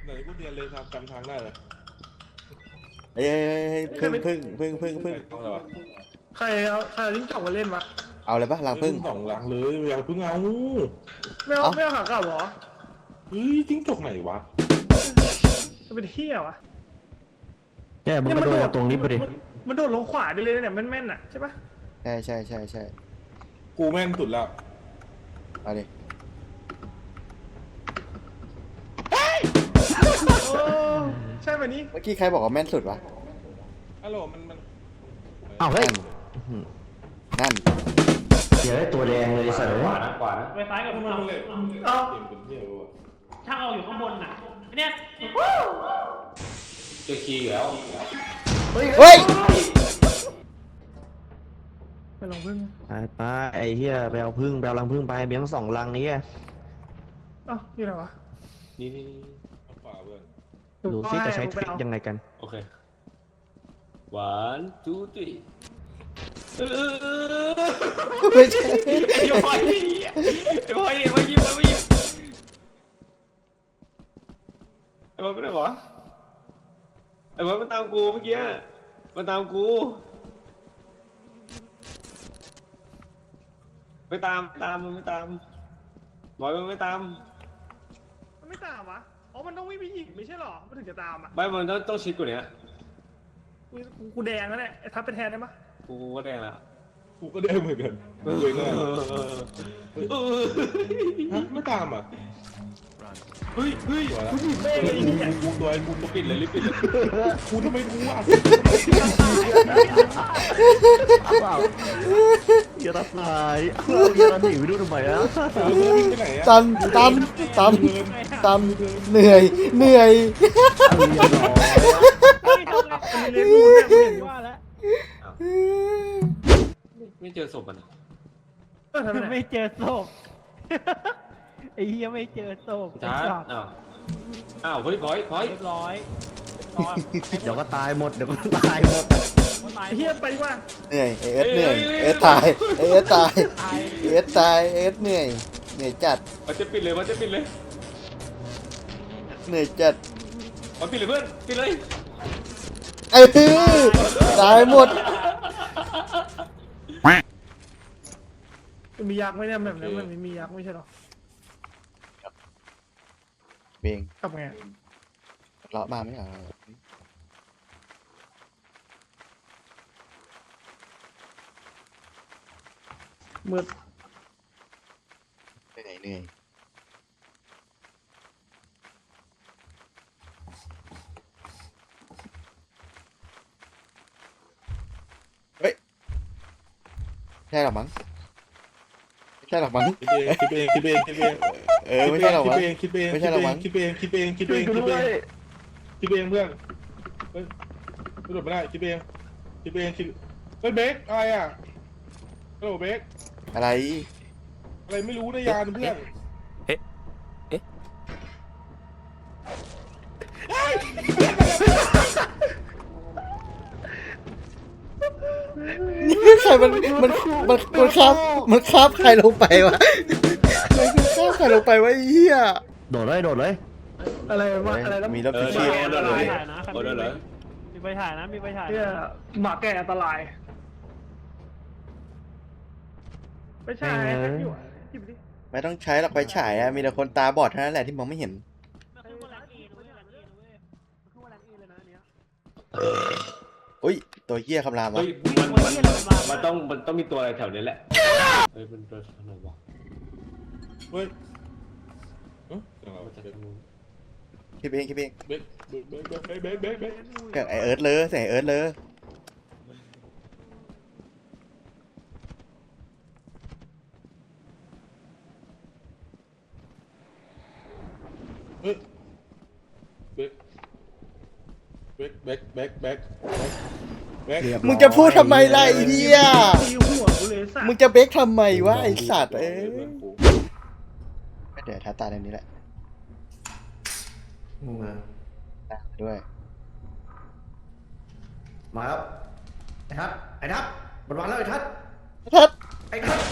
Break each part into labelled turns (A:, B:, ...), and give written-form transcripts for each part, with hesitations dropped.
A: ไหนกูเรียนเลยครับจำทางได้เลย
B: เฮ้ยพึ่ง
C: ใครเอาลิ้นจ่องมาเล่นวะ
B: เอาเลยปะรังพึ่ง
A: สองหลังเลยอย่าเพิ่งเอา
C: ไม่เอาขากลับเหรอ
A: เฮ้ยจิ้งจกไหนวะ
C: จะเป็นเที่ยวะ
D: แกมันกระโดดตรงนี้ไปดิ
C: มันโดดลงขวาได้เลยเนี่ยแม่นๆอ่ะใช่ปะ
B: ใช่
A: กูแม่นสุดแล้ว
B: เอาดิ
C: โอ้ใช่แบบนี้
B: เมื่อกี้ใครบอกว่าแม่นสุดวะ
A: ฮัลโหลมัน
D: อ้าวเฮ้ย
B: นั่น
D: เดี๋ยวได้ตัวแดงเลยสัตว์
E: ขวานะขวานะ
F: ไฟฟ้ากับ
A: มัน
F: เรา
A: เลย
C: เอ้า
A: เกมเป็นเที่ยววะ
F: ช่างเอาอยู่ข้างบนน่ะเนี่ย
E: เจอคีย์อยู่แล้ว
B: เฮ้ย
C: ไปลองพึ่ง
D: ไปไอ้เหี้ยไปเอาพึ่งไปเอารังพึ่งไปเบี้ยง2 รังนี้ไง
C: เอ้านี่อะไรวะ
E: นี่
A: ขวาเพื่อน
D: ดูซิจะใช้ทริคยังไงกัน
E: โอเค one two three
B: ไม่ใช่
E: ไอ้บอยไอ้บอยไอ้บอยยิ้มไอ้บอยยิ้มไอ้บอยไม่ได้หรอไอ้บอยมันตามกูเมื่อกี้มันตามกูไม่ตามมันไม่ตามบอยมันไม่ตาม
C: มันไม่ตามวะอ๋อมันต้องวิ่งไปอีกไม่ใช่หรอมันถึงจะตามอ่ะ
E: ไม่มันต้องชิดกว่านี้
C: กูแดงแล้วเนี่ยไอ้ทับไปแทนได้ปะ
E: กูก็แดงแล้ว
A: กูก็ได้เหมือนกันกูเองง่ายไม่ตามอ่ะ
E: เฮ้ย
A: ตัวละกูตัวกูปิดเลยรีบปิดเลยกูทำไมรู้อ่ะ
D: อย่าตัดสายอย่าตัดหนีไปดูทำไมอ่ะ
A: ไปไหนอ่ะ
B: ตันเหนื่อย
C: มันเรียนรู้เนี่ยมึงเห็นอยู่
F: ว่าแล้ว
E: ไม่เจอศพมัน
C: ทำไม
F: ไม่เจอศพไอ้เหี้ยไม่เจอศพ
E: ช้าอ้าวเฮ้ยพอย
F: เรียบร้อย
D: เดี๋ยวก็ตายหมดเดี๋ยวก็ตายหมด
F: ตาย
C: ไอ้เฮียไปดีกว่า
B: เหนื่อยเอสเหนื่อยเอสตายเอสตายเอสตายเอสเหนื่อยจัด
E: มันจะปิดเลย
B: เหนื่อยจัด
E: มันปิดเลยเพื่อนปิดเลย
B: ตายหมด
C: มียักษ์ไหมเนี่ยแบบนั้นมันไม่มียักษ์ไม่ใช่หรอ
B: เบง
C: กลับไง
B: เลาะมาไม่เหรอ
C: มืด
B: เหนื่อยเฮ้ยใช่หรอมั้งไม่ใช่หรอกมั้ง
A: คิดเอง
B: ไม่ใช่หรอกมั้ง
A: คิดเองเพื่อนคิดเหลุดไม่ได้คิดเองเฮ้ยเบคอะไรอ่ะฮัลโหลเบค
B: อะไร
A: อะไรไม่รู้นะยานเพื่อน
B: ใครมันคาบใครลงไปวะมันคาบใครลงไปวะไอ้เหี้ย
D: โดดเลย
C: อะไรวะอะไรแล้ว
B: มีรถพิชิต
E: โดนเลย
F: ถ่ายนะ
E: โดนเลย
F: มีไปถ่ายนะมีไปถ่าย
C: เฮียหมาแก่อันตรายไม่ใช่อยู่หยิบดิ
B: ไม่ต้องใช้หรอกไฟฉายอะมีแต่คนตาบอดเท่านั้นแหละที่มองไม่เห็น
F: ขึ้นบนแรงเอนะเว้ยแรงเอนะเว้ยขึ้นบนแรงเอเลยนะเนี้ย
B: อุ้ยตัวเหี้ยคำรามวะ
E: เฮ้ยมันต้องมีตัวอะไรแถวนี้แหละเฮ้ยมันตัวอะไรวะ
A: เฮ้ย
E: มันจะทำ
B: คิดเอง
A: เบค
B: เกิดไอเอิร์ธเลยเสียงไอเอิร์ธเลย
A: เฮ้ยเบค
B: มึงจะพูดทำไมล่ะไอ้เหี้ย
C: ตีหัวกูเลยสัต
B: มึง
C: ว์
B: จะเบรกทำไมวะไอสัตว์เดี๋ยวท้าตาในนี้แหละด้วย
D: มาครับไอ้ทัดมันวางแล้วไอ้ทัด
B: ทัด
D: ไอ้ทัด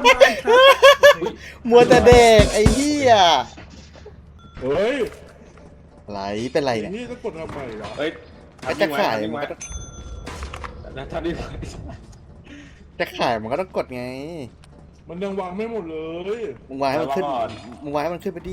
B: มัวแต่เด็กไอ้เหี้ย
A: เฮ้ย
B: อะไรเป็นไรเนี่ย
A: นี่ต้องกดทำไมวะ
E: เฮ้ย
B: ไอ้จะขาย
E: ทำ
B: มัน
E: ไว้
B: ก็ต้อง
E: นะทำดีไว้
B: จะขายมันก็ต้องกดไง
A: มันยังวางไม่หมดเลย
B: มึงวางให้มันขึ้นมึงวางให้มันขึ้นไปดิ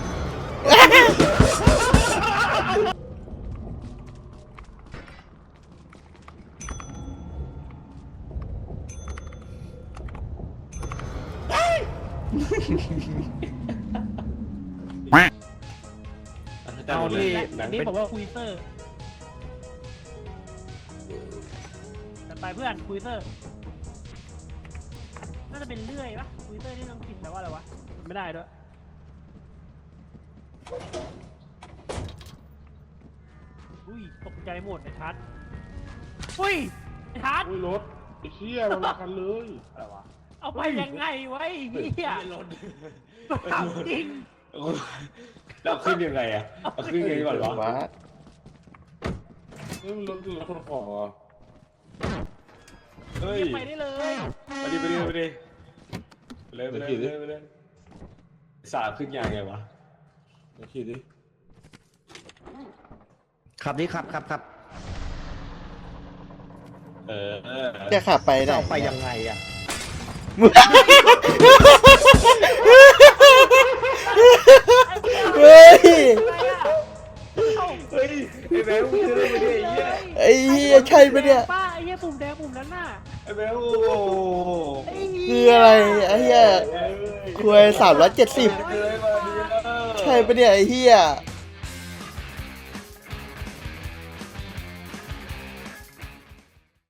E: เอาที่หนั
F: อั
E: ง
F: นนี้
E: เป็น
F: ผมว่าคุยเซอร์จัดไปเพื่อนคุยเซอร์น่าจะเป็นเลื่อยปะคุยเซอร์นี่ต้องผิดแต่ว่าอะไรวะไม่ได้ด้วยอุ้ยตกใจหมดไอ้ทัศน์อุ้ยไอ้ทัศน์
A: อุ้ยรถไอ้เชี่ยมันมากันเลย
E: อะไรวะ
F: เอาไปยังไงวะไอ้เหี้ยถามจริง
E: เราขึ้นยังไงอะเอาขึ้นยังไงก่อนวะ
B: ว้า
A: นี่มันรถคนของเหรอ
E: เฮ้ย
F: ไปได้เลย
E: ไปดิไปดิไปดิไปเลยไปเลยไปเลยไปเลยสาบขึ้นยังไงวะ
A: เดี๋ยวขี่ดิ
D: ขับดิขับขับขับ
E: เออ
B: จะขับไปได้
D: จะเอาไปยังไงอ่ะ
B: เฮ้ย
E: เฮ้ยไอ้แบงค์มึงซื้อไปดิไอ้เหี้ย
B: ไอ้เหี้ยใช่ปะเนี่ย
F: ป้าไอ้เหี้ยปุ่มแดงปุ่มนั้นน่ะ
E: ไอ้แบงค์โอ้โห
F: ไอ้เหี้ย
B: คืออะไรไอ้เหี้ยคุย370
E: เคยมาดีแล้ว
B: ใช่ปะเนี่ยไอ้เหี้ย